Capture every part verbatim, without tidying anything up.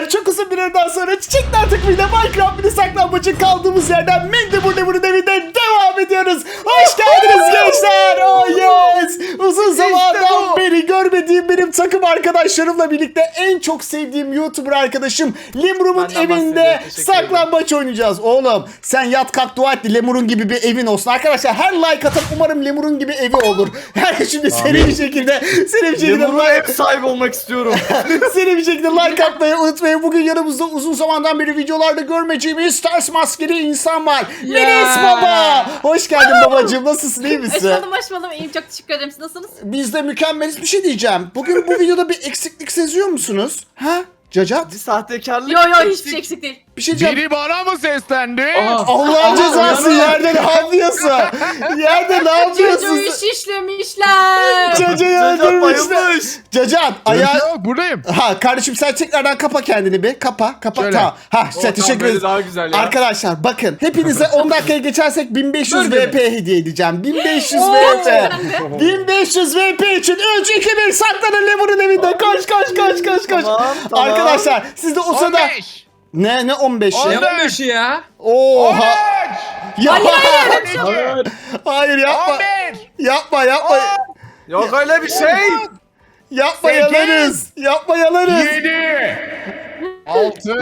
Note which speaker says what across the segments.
Speaker 1: Arkadaşlar çok uzun bir aradan sonra Çiçekler takımıyla Minecraft mini saklambaçın kaldığımız yerden Mendebur Lemur'un evinde devam ediyoruz. Hoş geldiniz gençler. Oh yes. Uzun zamandan beri görmediğim benim takım arkadaşlarımla birlikte en çok sevdiğim YouTuber arkadaşım Lemur'un evinde saklambaç oynayacağız. Oğlum sen yat kalk dua et Lemur'un gibi bir evin olsun. Arkadaşlar her like atıp umarım Lemur'un gibi evi olur. Her şimdi seri bir şekilde seri bir şekilde
Speaker 2: Lemur'un ev sahibi olmak istiyorum.
Speaker 1: seri bir şekilde like atmayı unutmayın. Bugün yanımızda uzun zamandan beri videolarda görmeyeceğimiz ters maskeli insan var. Melis Baba. Hoş geldin babacığım. Nasılsın? İyi misin?
Speaker 3: Hoş buldum, hoş buldum. İyiyim, çok teşekkür ederim. Siz nasılsınız?
Speaker 1: Biz de mükemmeliz. Bir şey diyeceğim. Bugün bu videoda bir eksiklik seziyor musunuz? Ha? Cacat?
Speaker 2: Bir sahtekarlık.
Speaker 3: Yo yo hiçbir şey eksik değil.
Speaker 1: Bir şey diyeceğim.
Speaker 4: Biri bana mı seslendi?
Speaker 1: Allah'ın cezası yerde ne yapıyorsun? Yerde ne yapıyorsun?
Speaker 3: Çocuğu iş işlemişler.
Speaker 1: Caca'yı
Speaker 2: Cacat
Speaker 1: öldürmüşler.
Speaker 2: bayılmış.
Speaker 1: Cacat
Speaker 4: Ayağı...
Speaker 1: ayağı...
Speaker 4: Yok buradayım.
Speaker 1: Ha kardeşim sen tekrardan kapa kendini bir. Kapa. Kapa.
Speaker 4: Şöyle.
Speaker 1: Tamam. Ha
Speaker 2: O,
Speaker 1: sen teşekkür
Speaker 2: tamam, böyle
Speaker 1: ederiz.
Speaker 2: daha güzel ya.
Speaker 1: Arkadaşlar bakın hepinize on dakikaya geçersek bin beş yüz V P hediye edeceğim. bin beş yüz
Speaker 3: Oo,
Speaker 1: V P.
Speaker 3: gerçekten de.
Speaker 1: bin beş yüz V P için üç iki bir saklanın Lemur'un evinde. Koş koş koş koş koş.
Speaker 2: Tamam, tamam.
Speaker 1: Arkadaşlar siz de o
Speaker 4: on
Speaker 1: sırada...
Speaker 4: beş.
Speaker 1: Ne ne on beşi?
Speaker 4: On
Speaker 5: Ne olmuş ya?
Speaker 1: Oha. Ya
Speaker 3: Hayır, hayır,
Speaker 2: Hayır.
Speaker 1: hayır yapma.
Speaker 4: on bir.
Speaker 1: Yapma yapma.
Speaker 2: Yok öyle bir şey.
Speaker 1: Yapma
Speaker 4: Sekiz.
Speaker 1: yalarız. Yapma yalarız.
Speaker 4: yedi. altı.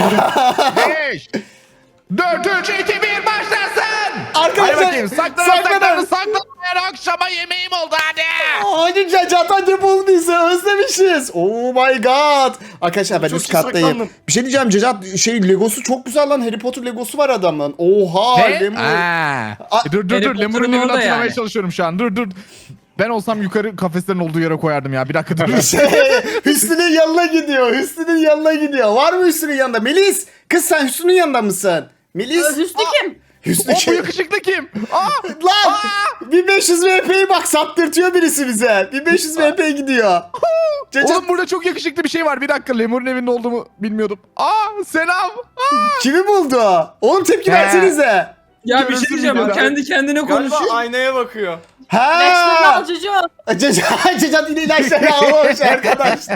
Speaker 4: beş. dört, üç, iki, bir başlasın.
Speaker 1: Arkadaşlar,
Speaker 4: Hadi bakayım. Saklanın
Speaker 1: saklanın.
Speaker 4: saklanın saklanın. Her akşama yemeğim oldu hadi.
Speaker 1: Hadi Cacat hadi bul bizi özlemişiz. Oh my god. Arkadaşlar ben
Speaker 2: Çok
Speaker 1: üst
Speaker 2: iyi
Speaker 1: kattayım.
Speaker 2: saklandım.
Speaker 1: Bir şey diyeceğim Cacat şey Legosu çok güzel lan. Harry Potter Legosu var adamın. Oha
Speaker 4: Ne?
Speaker 1: Lemur.
Speaker 4: Aa.
Speaker 1: Aa,
Speaker 4: E, dur dur
Speaker 5: Harry
Speaker 4: dur. Lemur'un
Speaker 5: Potter'ın
Speaker 4: evini
Speaker 5: orada
Speaker 4: hatırlamaya
Speaker 5: yani.
Speaker 4: çalışıyorum şu an. Dur dur. Ben olsam yukarı kafeslerin olduğu yere koyardım ya. Bir dakika dur.
Speaker 1: Şey, Hüsnü'nün yanına gidiyor. Hüsnü'nün yanına gidiyor. Var mı Hüsnü'nün yanında? Melis kız sen Hüsnü'nün yanında mısın? Melis.
Speaker 3: Hüsnü kim?
Speaker 1: Hüsnü
Speaker 4: O bu
Speaker 1: kim?
Speaker 4: yakışıklı kim? Aa!
Speaker 1: Lan bin beş yüz V P'yi bak saptırtıyor birisi bize. bin beş yüz V P gidiyor. Cacat
Speaker 4: Oğlum burada çok yakışıklı bir şey var. Bir dakika Lemur'un evinde olduğumu bilmiyordum. Aa selam. Aa.
Speaker 1: kimi buldu? Oğlum tepki
Speaker 4: He.
Speaker 1: versenize.
Speaker 5: Ya bir
Speaker 4: Görürsün
Speaker 5: şey diyeceğim. O
Speaker 4: videoda.
Speaker 5: kendi kendine
Speaker 2: Galiba
Speaker 5: konuşuyor.
Speaker 2: aynaya bakıyor.
Speaker 3: İlaçlarını
Speaker 1: Ha.
Speaker 3: al çocuğu.
Speaker 1: Cacat Cacat yine ilaçları almış arkadaşlar.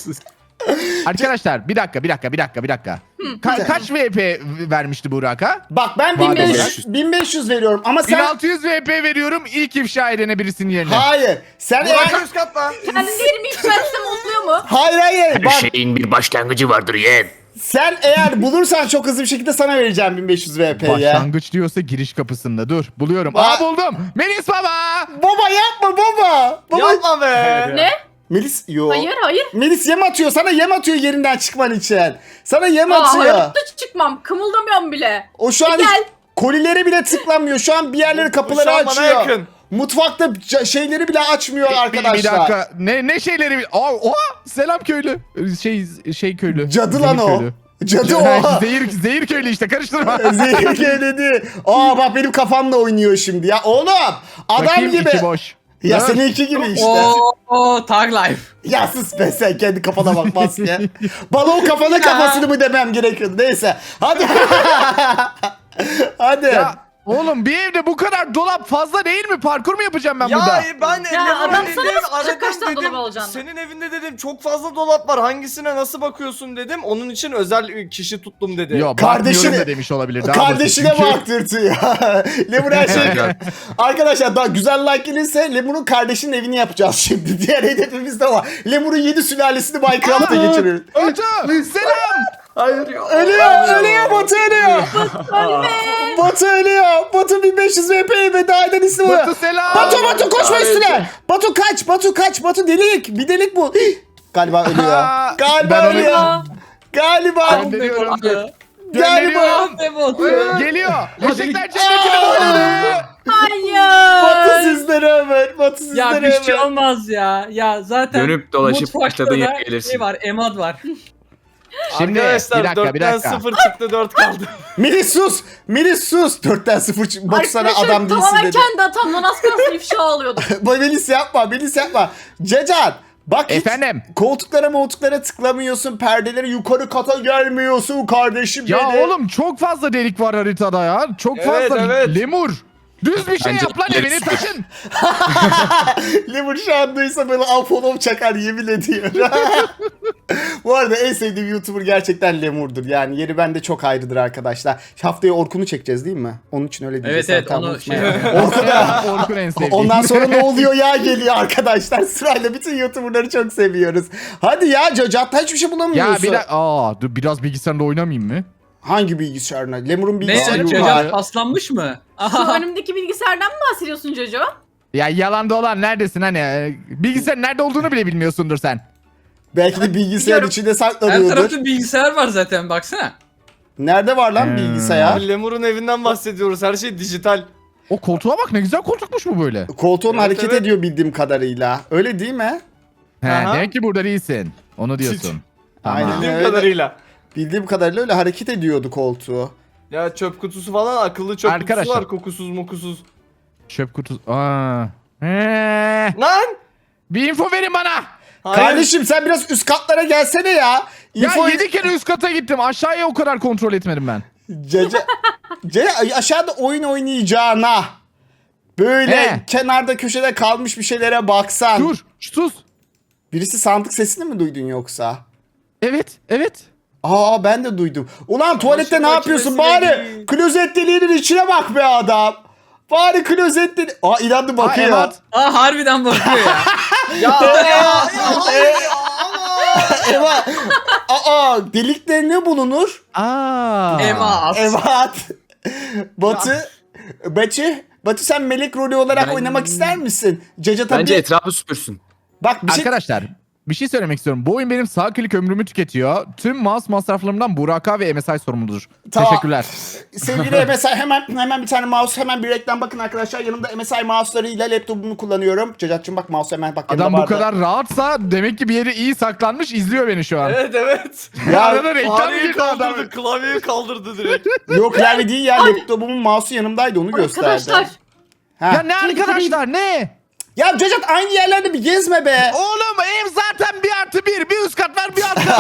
Speaker 4: Arkadaşlar bir dakika bir dakika bir dakika bir dakika. Ka- kaç V P vermişti Burak'a?
Speaker 1: Bak ben
Speaker 4: Var
Speaker 1: bin beş yüz,
Speaker 4: olarak.
Speaker 1: bin beş yüz veriyorum ama
Speaker 4: bin
Speaker 1: sen...
Speaker 4: altı yüz V P veriyorum ilk ifşa edene birisinin yerine.
Speaker 1: Hayır. Sen
Speaker 2: Burak
Speaker 1: eğer...
Speaker 2: üst katta.
Speaker 3: Kendileri mi ifşa etsem oluyor mu?
Speaker 1: Hayır hayır.
Speaker 6: Her
Speaker 1: Bak
Speaker 6: şeyin bir başlangıcı vardır yeğen.
Speaker 1: sen eğer bulursan çok hızlı bir şekilde sana vereceğim bin beş yüz V P'yi.
Speaker 4: Başlangıç diyorsa giriş kapısında dur buluyorum.
Speaker 1: Ba-
Speaker 4: Aa buldum. Melis baba.
Speaker 1: Baba yapma baba. Baba.
Speaker 2: Yapma be.
Speaker 3: Ne?
Speaker 1: Melis yo.
Speaker 3: Hayır, hayır.
Speaker 1: Melis yem atıyor. Sana yem atıyor yerinden çıkman için. Sana yem
Speaker 3: Aa,
Speaker 1: atıyor.
Speaker 3: hayatta çıkmam. Kımıldamıyorum bile.
Speaker 1: O şu an
Speaker 3: Gel.
Speaker 1: hiç kolileri bile tıklamıyor. Şu an bir yerleri kapıları
Speaker 2: Şu an bana
Speaker 1: açıyor.
Speaker 2: yakın.
Speaker 1: Mutfakta ca- şeyleri bile açmıyor
Speaker 4: Bir,
Speaker 1: arkadaşlar.
Speaker 4: bir dakika. Ne ne şeyleri? bil- Aa, oha selam köylü. Şey şey köylü.
Speaker 1: Cadı lan
Speaker 4: Zehir
Speaker 1: o.
Speaker 4: köylü.
Speaker 1: Cadı
Speaker 4: Ha,
Speaker 1: o.
Speaker 4: zehir zehir köylü işte karıştırma.
Speaker 1: Zehir köyledi. Aa bak benim kafamla oynuyor şimdi ya. Oğlum adam
Speaker 4: Bakayım
Speaker 1: gibi.
Speaker 4: içi boş.
Speaker 1: Ya
Speaker 4: Dur.
Speaker 1: seninki gibi işte.
Speaker 5: Oo, oo, Tag Life.
Speaker 1: Ya sus be sen kendi kafana bak maske. Bana o kafana
Speaker 5: Ya.
Speaker 1: kafasını mı demem gerekiyordu. Neyse. Hadi. Hadi.
Speaker 4: Ya oğlum bir evde bu kadar dolap fazla değil mi? Parkur mu yapacağım ben
Speaker 2: Ya
Speaker 4: burada?
Speaker 2: ben
Speaker 3: Ya
Speaker 2: Lemur'un
Speaker 3: adam sana
Speaker 2: evini
Speaker 3: nasıl bakacak kaç
Speaker 2: aradım
Speaker 3: tane
Speaker 2: dedim.
Speaker 3: dolap alacağını?
Speaker 2: Senin evinde dedim çok fazla dolap var. Hangisine nasıl bakıyorsun dedim. Onun için özel kişi tuttum dedi.
Speaker 4: Yok
Speaker 1: Kardeşine-
Speaker 4: bakmıyorum da demiş olabilir. Daha
Speaker 1: Kardeşine
Speaker 4: basit çünkü.
Speaker 1: baktırtıyor. Lemur her şey. Arkadaşlar daha güzel like gelirse Lemur'un kardeşinin evini yapacağız şimdi. Diğer hedefimiz de var. Lemur'un yedi sülalesini Minecraft'ta geçiriyoruz.
Speaker 4: Batu selam.
Speaker 2: Hayır ya.
Speaker 1: Ölüyor, ölüyor, Batu ölüyor. Batu ölüyor. Batu bin beş yüz V P'ye veda eden ismi var.
Speaker 4: Batu selam.
Speaker 1: Batu, Batu koşma üstüne. Batu kaç, Batu kaç, Batu delik. Bir delik bu. Hih! Galiba ölüyor.
Speaker 4: Aa,
Speaker 1: Galiba
Speaker 4: ben
Speaker 1: ölüyor.
Speaker 3: Aa,
Speaker 1: Galiba.
Speaker 4: Gönderiyorum.
Speaker 1: Galiba.
Speaker 4: Gönderiyorum.
Speaker 5: Bebot.
Speaker 4: Geliyor. Eşekler cennetine doğru.
Speaker 1: Batu
Speaker 3: hayır.
Speaker 1: sizlere ömür. Batu sizlere
Speaker 5: Ya bir şey
Speaker 1: ömür.
Speaker 5: olmaz ya. Ya zaten
Speaker 6: Dönüp dolaşıp
Speaker 5: mutfakta
Speaker 6: başladığın yere
Speaker 5: da
Speaker 6: gelirsin.
Speaker 5: Şey var, emad var.
Speaker 4: Şimdi
Speaker 2: Arkadaşlar
Speaker 4: bir dakika bir
Speaker 2: dörtten
Speaker 4: dakika.
Speaker 2: sıfır çıktı dört kaldı.
Speaker 1: Melis sus. Melis sus. Dörtten sıfır. çık- Batu sana
Speaker 3: Arkadaşlar
Speaker 1: adam değilsin
Speaker 3: tamamen
Speaker 1: dedi.
Speaker 3: kendi hatamdan az kalsın ifşa alıyordum.
Speaker 1: Bu Melis yapma. Melis yapma. Cecan. Bak hiç
Speaker 4: Efendim?
Speaker 1: koltuklara moltuklara tıklamıyorsun. Perdeleri yukarı kata gelmiyorsun kardeşim
Speaker 4: Ya
Speaker 1: benim.
Speaker 4: oğlum çok fazla delik var haritada ya. Çok
Speaker 2: Evet,
Speaker 4: fazla
Speaker 2: evet.
Speaker 4: lemur. Düz bir şey
Speaker 6: Bence
Speaker 4: yap lan evini taşın.
Speaker 1: Lemur şu an duysa böyle Apollo çakar yemin ediyor. Bu arada en sevdiğim YouTuber gerçekten Lemur'dur. Yani yeri bende çok ayrıdır arkadaşlar. Haftaya Orkun'u çekeceğiz değil mi? Onun için öyle diyeceğiz.
Speaker 5: Evet evet
Speaker 1: Hakan,
Speaker 5: onu
Speaker 1: unutma
Speaker 5: şey
Speaker 1: ya. Orkun'a
Speaker 4: Orkun en sevdiğim.
Speaker 1: ondan sonra ne oluyor ya geliyor arkadaşlar. Sırayla bütün YouTuber'ları çok seviyoruz. Hadi ya Cacat hiçbir şey bulamıyorsun.
Speaker 4: Ya bir dakika. Aa, dur biraz bilgisayarda oynamayayım mı?
Speaker 1: Hangi bilgisayarına? Lemur'un
Speaker 5: Ne?
Speaker 1: bilgisayarı mı var?
Speaker 5: Cacat paslanmış mı?
Speaker 3: Şu
Speaker 5: Aha.
Speaker 3: önümdeki bilgisayardan mı bahsediyorsun Jojo?
Speaker 4: Ya yalan dolan neredesin hani? e, Bilgisayarın nerede olduğunu bile bilmiyorsundur sen.
Speaker 1: Belki de bilgisayar
Speaker 3: Biliyorum.
Speaker 1: içinde
Speaker 5: Her
Speaker 1: saklanıyordur.
Speaker 5: tarafta bilgisayar var zaten baksana.
Speaker 1: Nerede var lan
Speaker 4: Hmm.
Speaker 1: bilgisayar?
Speaker 2: Abi Lemur'un evinden bahsediyoruz. Her şey dijital.
Speaker 4: O koltuğa bak ne güzel koltukmuş bu böyle.
Speaker 1: Koltuğun
Speaker 2: Evet,
Speaker 1: hareket
Speaker 2: evet.
Speaker 1: ediyor bildiğim kadarıyla. Öyle değil mi?
Speaker 4: He,
Speaker 2: Aha.
Speaker 4: demek ki burada değilsin. Onu diyorsun.
Speaker 1: Aynen.
Speaker 4: Tamam.
Speaker 2: Bildiğim
Speaker 1: öyle.
Speaker 2: kadarıyla.
Speaker 1: Bildiğim kadarıyla öyle hareket ediyordu koltuğu.
Speaker 2: Ya çöp kutusu falan akıllı çöp
Speaker 4: Arkadaşlar.
Speaker 2: kutusu var. Kokusuz mokusuz.
Speaker 4: Çöp kutusu. Aa. He.
Speaker 2: Lan!
Speaker 4: Bir info verin bana.
Speaker 2: Hayır.
Speaker 1: Kardeşim sen biraz üst katlara gelsene ya.
Speaker 4: Ya
Speaker 1: İnfo-
Speaker 4: yedi kere üst kata gittim. Aşağıya o kadar kontrol etmedim ben.
Speaker 1: Caca... Caca aşağıda oyun oynayacağına böyle
Speaker 4: He.
Speaker 1: kenarda köşede kalmış bir şeylere baksan.
Speaker 4: Dur. Sus.
Speaker 1: Birisi sandık sesini mi duydun yoksa?
Speaker 4: Evet. Evet.
Speaker 1: Aa ben de duydum. Ulan tuvalette
Speaker 2: Çamaşır
Speaker 1: ne yapıyorsun?
Speaker 2: makinesine
Speaker 1: Bari
Speaker 2: değil.
Speaker 1: klozet deliğinin içine bak be adam. Bari klozet deliği... Aa inandı
Speaker 4: Aa,
Speaker 1: bakıyor.
Speaker 4: Emat.
Speaker 5: Aa harbiden bakıyor ya.
Speaker 2: Ya!
Speaker 1: Eva. Aa delikte ne bulunur?
Speaker 4: Aa.
Speaker 5: Ema.
Speaker 1: Evet. Batu. Batu. Batu sen melek rolü olarak
Speaker 6: Ben-
Speaker 1: oynamak ister misin? Caca tabii.
Speaker 6: Bence etrafı süpürsün.
Speaker 1: Bak bir şey...
Speaker 4: Arkadaşlar bir şey söylemek istiyorum. Bu oyun benim sağ klik ömrümü tüketiyor. Tüm mouse masraflarımdan Buraka ve M S I sorumludur.
Speaker 1: Tamam.
Speaker 4: Teşekkürler.
Speaker 1: Sevgili M S I hemen hemen bir tane mouse hemen bir reklam bakın arkadaşlar. Yanımda M S I mouse'larıyla laptopumu kullanıyorum. Cacat'cığım bak mouse hemen bak yanımda
Speaker 4: Adam bu
Speaker 1: vardı.
Speaker 4: kadar rahatsa demek ki bir yeri iyi saklanmış izliyor beni şu an.
Speaker 2: Evet evet.
Speaker 1: Ya
Speaker 4: Arada reklam
Speaker 2: Fareyi
Speaker 4: girdi adam.
Speaker 2: kaldırdı, klavyeyi kaldırdı direkt.
Speaker 1: yok klavye değil ya laptopumun mouse'u yanımdaydı onu gösterdi.
Speaker 3: Arkadaşlar.
Speaker 1: Ha.
Speaker 4: Ya ne arkadaşlar ne?
Speaker 1: Ya Cacat aynı yerlerde bir gezme be.
Speaker 4: Oğlum ev zaten bir artı bir. Bir üst kat var bir alt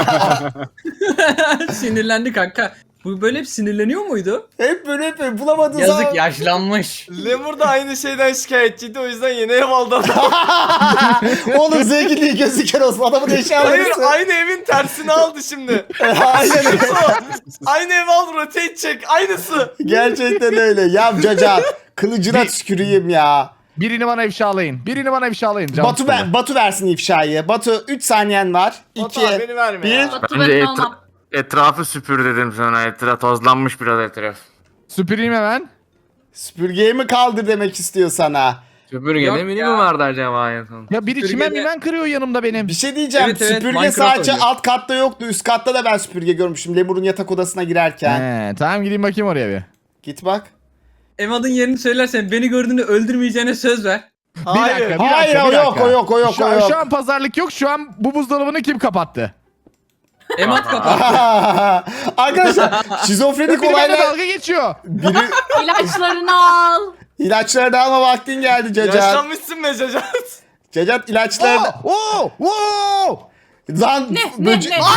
Speaker 4: kat.
Speaker 5: Sinirlendi kanka. Bu böyle hep sinirleniyor muydu?
Speaker 1: Hep böyle hep böyle bulamadığın
Speaker 5: Yazık
Speaker 1: zaman.
Speaker 5: yaşlanmış.
Speaker 2: Lemur da aynı şeyden şikayetçiydi o yüzden yeni ev aldı adam.
Speaker 1: Oğlum zenginliği gözü kör olsun adamın eşyaları.
Speaker 2: Hayır aynı evin tersini aldı şimdi.
Speaker 1: Aynen öyle.
Speaker 2: Aynı ev al rotate çek aynısı.
Speaker 1: Gerçekten öyle. Ya Cacat kılıcına tüküreyim ya.
Speaker 4: Birini bana ifşalayın. Birini bana ifşalayın. Canım
Speaker 1: Batu
Speaker 4: sıkıldı.
Speaker 1: ver, Batu versin ifşayı. Batu üç saniyen var.
Speaker 2: Batu
Speaker 1: iki,
Speaker 2: abi, beni verme
Speaker 1: bir.
Speaker 2: ya.
Speaker 3: Batu
Speaker 6: Bence
Speaker 3: ben
Speaker 6: etra-
Speaker 3: almam.
Speaker 6: etrafı süpür dedim sana. Etraf tozlanmış biraz etraf.
Speaker 4: Süpüreyim hemen.
Speaker 1: Süpürgeyi mi kaldır demek istiyor sana.
Speaker 6: Süpürge
Speaker 5: Yok
Speaker 6: ne mini
Speaker 5: ya.
Speaker 6: mi vardı acaba en son?
Speaker 4: Ya biri
Speaker 5: Süpürge
Speaker 4: çimen
Speaker 5: de-
Speaker 4: mimen kırıyor yanımda benim.
Speaker 1: Bir şey diyeceğim.
Speaker 5: Evet, evet,
Speaker 1: süpürge
Speaker 5: Minecraft
Speaker 1: sadece
Speaker 5: oynuyor.
Speaker 1: alt katta yoktu. Üst katta da ben süpürge görmüştüm. Lemur'un yatak odasına girerken.
Speaker 4: He, tamam gideyim bakayım oraya bir.
Speaker 1: Git bak.
Speaker 5: Emad'ın yerini söylersen beni gördüğünde öldürmeyeceğine söz ver.
Speaker 4: Bir
Speaker 2: Hayır.
Speaker 4: dakika, bir
Speaker 1: Hayır,
Speaker 4: dakika,
Speaker 1: o
Speaker 4: bir
Speaker 1: yok,
Speaker 4: dakika.
Speaker 1: o yok, o yok,
Speaker 4: şu,
Speaker 1: o
Speaker 4: an-
Speaker 1: yok.
Speaker 4: Şu an pazarlık yok. Şu an bu buzdolabını kim kapattı?
Speaker 5: Emad kapat.
Speaker 1: Arkadaşlar şizofrenik
Speaker 4: Biri benimle
Speaker 1: olaylar.
Speaker 4: dalga geçiyor.
Speaker 1: Biri
Speaker 3: İlaçlarını al.
Speaker 1: ilaçları alma vaktin geldi Cacat.
Speaker 2: Yaşlanmışsın be Cacat.
Speaker 1: Cacat ilaçları.
Speaker 4: Oo, oo, oo.
Speaker 1: Lan
Speaker 3: Ne ne
Speaker 1: böce-
Speaker 3: ne?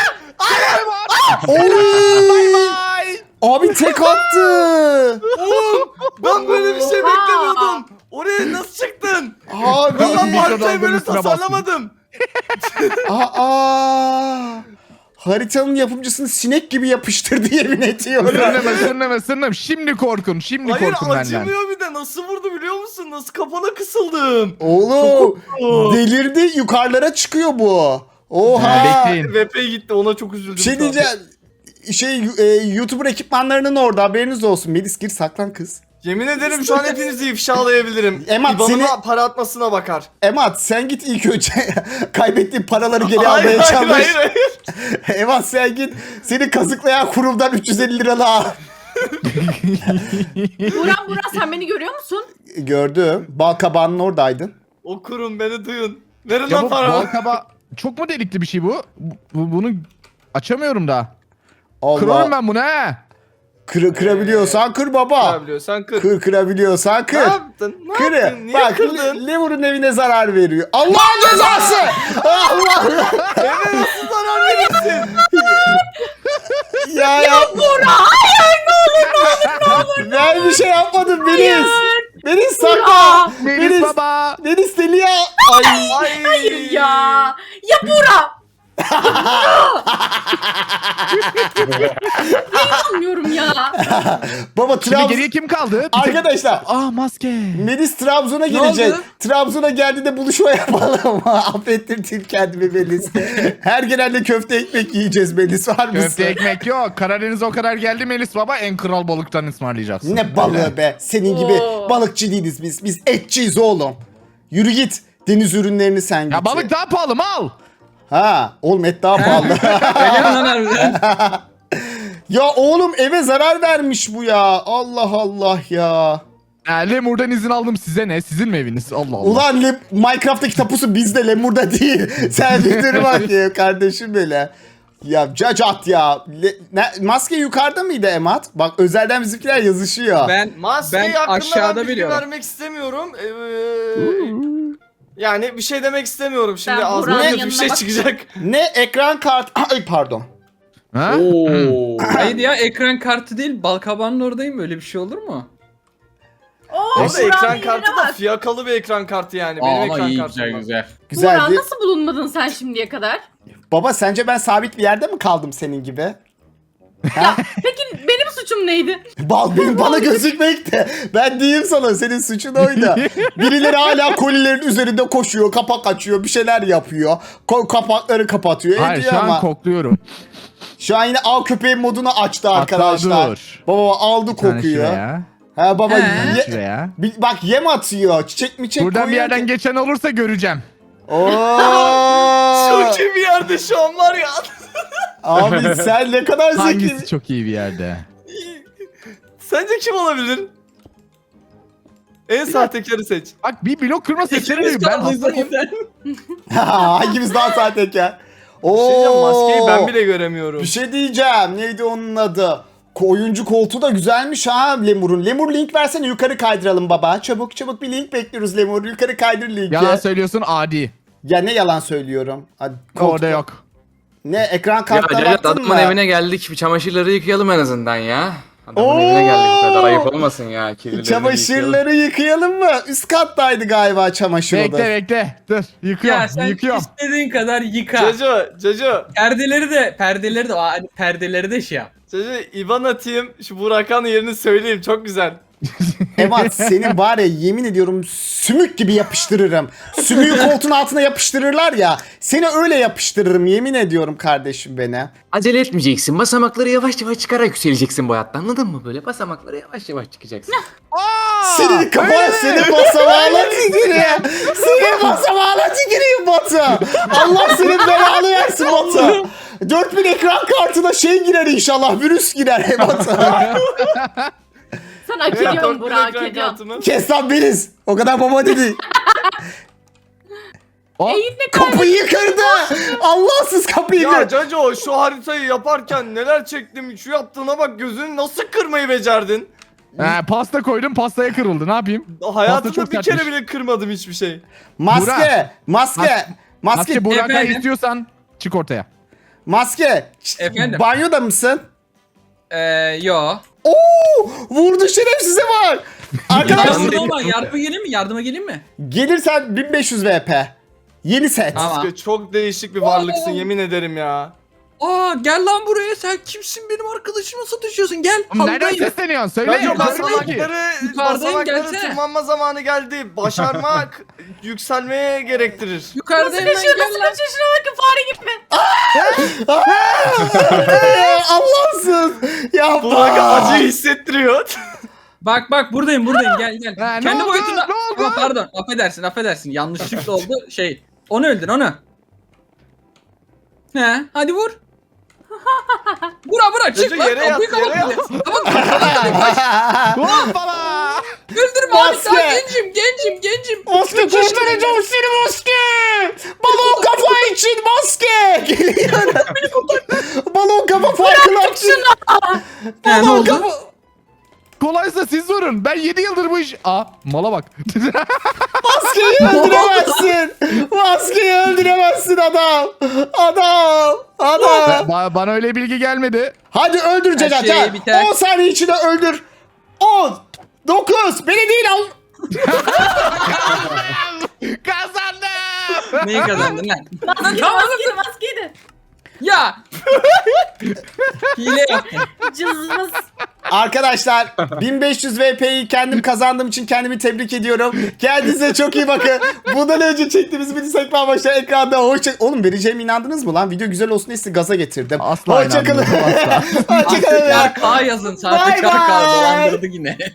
Speaker 1: Oy!
Speaker 4: Bye.
Speaker 1: Abi tek attı.
Speaker 2: Ben böyle bir şey
Speaker 3: Oha.
Speaker 2: beklemiyordum. Oraya nasıl çıktın?
Speaker 1: Abi.
Speaker 2: Ben bu haritayı
Speaker 4: Mikrodalganın
Speaker 2: böyle
Speaker 4: üstüne bastım.
Speaker 2: tasarlamadım.
Speaker 1: Aa. Haritanın yapımcısını sinek gibi yapıştırdı yemin ediyorum.
Speaker 4: Sırnama sırnama sırnama. Şimdi korkun. Şimdi
Speaker 2: Hayır
Speaker 4: korkun benden.
Speaker 2: acımıyor bir de nasıl vurdu biliyor musun? Nasıl kafana kısıldım.
Speaker 1: Oğlum
Speaker 2: Oo.
Speaker 1: delirdi yukarılara çıkıyor bu.
Speaker 4: Ha,
Speaker 1: Oha.
Speaker 4: bekleyin.
Speaker 2: V P gitti ona çok üzüldüm.
Speaker 1: Bir şey
Speaker 2: şu an.
Speaker 1: diyeceğim. Şey e, YouTuber ekipmanlarının orada haberiniz olsun. Melis gir saklan kız.
Speaker 2: Yemin ederim şu an hepinizi ifşalayabilirim.
Speaker 1: Emat,
Speaker 2: İban'ıma
Speaker 1: seni-
Speaker 2: para atmasına bakar.
Speaker 1: Emat sen git ilk önce kaybettiğin paraları geri
Speaker 2: Hayır
Speaker 1: almaya
Speaker 2: hayır
Speaker 1: çalış.
Speaker 2: hayır hayır.
Speaker 1: Emat sen git seni kazıklayan kurumdan üç yüz elli lira al.
Speaker 3: Buran Buran sen beni görüyor musun?
Speaker 1: Gördüm. Balkabağının oradaydın.
Speaker 2: O kurum beni duyun. Verin
Speaker 4: Ya
Speaker 2: lan
Speaker 4: bu
Speaker 2: para.
Speaker 4: balkaba çok mu delikli bir şey bu? Bu- Bunu açamıyorum da.
Speaker 1: Allah.
Speaker 4: Kırarım ben bunu he.
Speaker 1: Kır, kırabiliyorsan kır baba.
Speaker 2: Kırabiliyorsan kır.
Speaker 1: Kır kırabiliyorsan
Speaker 2: Ne
Speaker 1: kır.
Speaker 2: yaptın? Ne
Speaker 1: Kır.
Speaker 2: yaptın? Niye
Speaker 1: Bak
Speaker 2: kırdın?
Speaker 1: Le- Lemur'un evine zarar veriyor. Allah'ın cezası. Allah.
Speaker 2: Eve nasıl zarar verirsin?
Speaker 1: Ya ya.
Speaker 3: Buran hayır ne olur ne olur ne olur.
Speaker 1: Ben bir şey yapmadım Melis.
Speaker 3: Hayır İnanmıyorum ya.
Speaker 1: Baba
Speaker 4: Şimdi
Speaker 1: Trabzon...
Speaker 4: geriye kim kaldı? Bir tek-
Speaker 1: Arkadaşlar
Speaker 4: Aa maske.
Speaker 1: Melis Trabzon'a
Speaker 5: Ne
Speaker 1: gelecek.
Speaker 5: oldu?
Speaker 1: Trabzon'a geldiğinde buluşma yapalım. Affettirdim kendimi Melis. Her genelde köfte ekmek yiyeceğiz Melis, var mısın?
Speaker 4: Köfte ekmek yok. Karadeniz'e o kadar geldi Melis Baba, en kral balıktan ısmarlayacaksın.
Speaker 1: Ne balığı be. Senin gibi
Speaker 3: Oo.
Speaker 1: balıkçı değiliz biz. Biz etçiyiz oğlum. Yürü git. Deniz ürünlerini sen git.
Speaker 4: Ya balık daha pahalı, mal.
Speaker 1: Ha, oğlum et daha pahalı.
Speaker 5: Öyle mi lan harbiden?
Speaker 1: Ya oğlum eve zarar vermiş bu ya. Allah Allah ya.
Speaker 4: Ya Lemur'dan izin aldım, size ne? Sizin mi eviniz? Allah Allah.
Speaker 1: Ulan Le- Minecraft'taki tapusu bizde, Lemur'da değil. Sen bir dur bak ya kardeşim böyle. Ya cacat ya. Le- ne- maske yukarıda mıydı Emat? Bak özelden bizimkiler yazışıyor.
Speaker 5: Ben,
Speaker 2: Maskeyi
Speaker 5: ben
Speaker 2: hakkında
Speaker 5: aşağıda
Speaker 2: ben bilgi
Speaker 5: biliyorum.
Speaker 2: vermek istemiyorum. Ee, yani bir şey demek istemiyorum. Şimdi
Speaker 3: Ben
Speaker 2: ağzımdan
Speaker 3: Burak'ın
Speaker 2: kötü bir
Speaker 3: yanına
Speaker 2: şey
Speaker 3: bak-
Speaker 2: çıkacak.
Speaker 1: Ne ekran kart... Ay pardon.
Speaker 4: Ha?
Speaker 5: Oo. Hayır ya, ekran kartı değil, balkabağının oradayım, böyle bir şey olur mu?
Speaker 3: Oo,
Speaker 2: Orada
Speaker 3: Burak'ın
Speaker 2: ekran
Speaker 3: yerine
Speaker 2: kartı da
Speaker 3: bak.
Speaker 2: fiyakalı bir ekran kartı yani. Benim
Speaker 5: Aa,
Speaker 2: ekran
Speaker 5: iyi,
Speaker 2: kartım
Speaker 5: güzel
Speaker 2: var.
Speaker 5: güzel.
Speaker 1: Güzel.
Speaker 3: Burak
Speaker 1: bir-
Speaker 3: nasıl bulunmadın sen şimdiye kadar?
Speaker 1: Baba sence ben sabit bir yerde mi kaldım senin gibi?
Speaker 3: Ya peki benim suçum neydi?
Speaker 1: Bal benim bana gözükmek de. Ben diyeyim sana, senin suçun oydu. Birileri hala kolilerin üzerinde koşuyor, kapak açıyor, bir şeyler yapıyor. Ko- kapakları kapatıyor,
Speaker 4: Hayır,
Speaker 1: ediyor
Speaker 4: şu an
Speaker 1: ama.
Speaker 4: kokluyorum.
Speaker 1: Şu an yine av köpeği modunu açtı
Speaker 4: Hatta
Speaker 1: arkadaşlar.
Speaker 4: dur.
Speaker 1: Baba aldı
Speaker 4: Bir tane
Speaker 1: kokuyu.
Speaker 4: şuraya.
Speaker 1: Ha baba
Speaker 5: He.
Speaker 4: Bir
Speaker 1: ye-
Speaker 4: şuraya.
Speaker 1: Bi- bak yem atıyor. Çiçek mi çek
Speaker 4: Buradan bir
Speaker 1: koyuyor
Speaker 4: yerden
Speaker 1: ki-
Speaker 4: geçen olursa göreceğim.
Speaker 1: Oo!
Speaker 2: Çok iyi bir yerde şu an var ya.
Speaker 1: Abi sen ne kadar zeki.
Speaker 4: Hangisi çok iyi bir yerde?
Speaker 2: Sence kim olabilir? En sahtekarı seç.
Speaker 4: Bak bir blok kırma sesleri
Speaker 5: İkimiz
Speaker 4: duyuyor. Ben
Speaker 5: kaldık
Speaker 4: hastayım.
Speaker 5: zaten.
Speaker 1: Hangimiz daha sahtekar?
Speaker 2: Bir şey diyeceğim,
Speaker 1: Oo!
Speaker 2: maskeyi ben bile göremiyorum.
Speaker 1: Bir şey diyeceğim. Neydi onun adı? Ko- Oyuncu koltuğu da güzelmiş ha Lemur'un. Lemur link versene, yukarı kaydıralım baba. Çabuk çabuk bir link bekliyoruz Lemur. Yukarı kaydır linki.
Speaker 4: Yalan söylüyorsun, adi.
Speaker 1: Ya ne yalan söylüyorum. Hadi, koltuk-
Speaker 4: Orada yok.
Speaker 1: Ne ekran
Speaker 7: Ya
Speaker 1: kartına
Speaker 7: Cacat,
Speaker 1: baktın
Speaker 7: adamın
Speaker 1: mı?
Speaker 7: evine geldik. Bir çamaşırları yıkayalım en azından ya. Adamın
Speaker 1: Oo!
Speaker 7: evine geldik, bu kadar ayıp olmasın ya. Kirlilerini yıkayalım.
Speaker 1: Çamaşırları yıkayalım mı? Üst kattaydı galiba çamaşır
Speaker 4: Bekle
Speaker 1: odası.
Speaker 4: bekle. Dur yıkıyorum.
Speaker 5: Ya sen
Speaker 4: yıkıyorum.
Speaker 5: istediğin kadar yıka.
Speaker 2: Caco, Caco,
Speaker 5: Perdeleri de, perdeleri de, aa, hani perdeleri de şey yap.
Speaker 2: Caco, İban atayım. Şu Burak'ın yerini söyleyeyim. Çok güzel.
Speaker 1: Emat senin var ya, yemin ediyorum sümük gibi yapıştırırım. Sümüğü koltuğun altına yapıştırırlar ya. Seni öyle yapıştırırım, yemin ediyorum kardeşim beni.
Speaker 7: Acele etmeyeceksin. Basamakları yavaş yavaş çıkarak yükseleceksin bu hayatta. Anladın mı böyle? Basamakları yavaş yavaş çıkacaksın.
Speaker 1: Senin kafana senin basamağına tükürüyor. Senin basamağına tükürüyor Batu. Allah senin belanı versin Batu. dört bin ekran kartına şey girer inşallah, virüs girer Batu.
Speaker 3: Sen hak
Speaker 2: Evet,
Speaker 3: ediyorsun
Speaker 2: dört bin
Speaker 3: Burak, hak
Speaker 2: ekran
Speaker 3: ediyorsun.
Speaker 2: kartımı.
Speaker 1: Kes lan beniz. O kadar baba dedi.
Speaker 4: Oh,
Speaker 3: E yine
Speaker 1: Kapıyı kırdı. Allahsız kapıyı
Speaker 2: Ya
Speaker 1: kırdı.
Speaker 2: Caco, şu haritayı yaparken neler çektim. Şu yaptığına bak, gözünü nasıl kırmayı becerdin?
Speaker 4: he, pasta koydum, pastaya kırıldı. Ne yapayım?
Speaker 2: Hayatımda
Speaker 4: çok
Speaker 2: bir
Speaker 4: sertmiş.
Speaker 2: kere bile kırmadım hiçbir şey.
Speaker 1: Maske.
Speaker 4: Burak.
Speaker 1: Maske.
Speaker 4: Mas-
Speaker 1: Maske.
Speaker 4: Maske Burak'a
Speaker 5: Efendim?
Speaker 4: istiyorsan çık ortaya.
Speaker 1: Maske.
Speaker 5: Efendim?
Speaker 1: Banyoda mısın?
Speaker 5: Ee, yo.
Speaker 1: Oo! Vurdu şerefsize var. Arkadaşlar
Speaker 5: Yardıma, ama yardıma geleyim mi? Yardıma geleyim mi?
Speaker 1: gelirsen bin beş yüz V P. Yeni set.
Speaker 5: Tamam.
Speaker 2: Maske, çok değişik bir varlıksın, yemin ederim ya.
Speaker 5: Aa, gel lan buraya, sen kimsin, benim arkadaşıma satışıyorsun, gel.
Speaker 4: Nereden
Speaker 5: Havdayım.
Speaker 4: sesleniyorsun? Söyle.
Speaker 2: Caco,
Speaker 4: Görmüyor ki.
Speaker 2: basamakları,
Speaker 5: Yukarıdayım,
Speaker 2: basamakları
Speaker 5: gelsene.
Speaker 2: tırmanma zamanı geldi. Başarmak yükselmeye gerektirir.
Speaker 5: Yukarıdayım
Speaker 3: Nasıl
Speaker 5: ben,
Speaker 3: kaçıyor,
Speaker 5: gel
Speaker 3: nasıl
Speaker 5: lan.
Speaker 3: kaçıyor, şuna bakın, fare gibi.
Speaker 1: Ee, Allahsız. Ya
Speaker 2: Burak acıyı hissettiriyor.
Speaker 5: Bak bak, buradayım buradayım, gel gel.
Speaker 4: Ha, ne
Speaker 5: Kendi
Speaker 4: oldu?
Speaker 5: boyutunda.
Speaker 4: Ne oldu?
Speaker 5: Ama pardon, affedersin affedersin, yanlışlıkla oldu şey. Onu öldür onu. He, hadi vur. Vura vura, çık
Speaker 2: Caco,
Speaker 5: lan,
Speaker 2: yere yat,
Speaker 5: kapıyı
Speaker 2: yere
Speaker 5: kapat.
Speaker 2: yat.
Speaker 4: Hoppala.
Speaker 5: Öldürme abi,
Speaker 1: Maske.
Speaker 5: daha gencim gencim gencim.
Speaker 1: Maske kurtaracağım seni maske. Balon kafa için maske. Geliyor. Balon kafa farkını açın.
Speaker 5: He, ne
Speaker 1: Balon
Speaker 5: oldu?
Speaker 1: kafa.
Speaker 4: Kolaysa siz vurun. Ben yedi yıldır bu iş... Aa mala bak.
Speaker 1: Maskeyi öldüremezsin. Maskeyi öldüremezsin adam. Adam. Adam.
Speaker 4: Ba- bana öyle bilgi gelmedi.
Speaker 1: Hadi öldür Cacat.
Speaker 5: şey
Speaker 1: ha.
Speaker 5: biter.
Speaker 1: on saniye içinde öldür. on. dokuz. Beni değil al.
Speaker 4: Kazandım.
Speaker 5: Neyi kazandın lan?
Speaker 3: Maskeydi, maskeydi, maskeydi.
Speaker 5: Ya. Hile yaptın.
Speaker 3: Cızmız.
Speaker 1: Arkadaşlar bin beş yüz V P'yi kendim kazandığım için kendimi tebrik ediyorum. Kendinize çok iyi bakın. Bundan önce çektiğimiz mini sekme başta ekranda hoşça... Oğlum vereceğime inandınız mı lan? Video güzel olsun diye sizi gaza getirdim.
Speaker 4: Asla
Speaker 1: Hoşçakalın.
Speaker 4: inanmıyorum, asla.
Speaker 1: Hoşçakalın.
Speaker 5: Artık K yazın.
Speaker 1: Bye
Speaker 5: Sahtekar K
Speaker 1: bye.
Speaker 5: dolandırdı yine.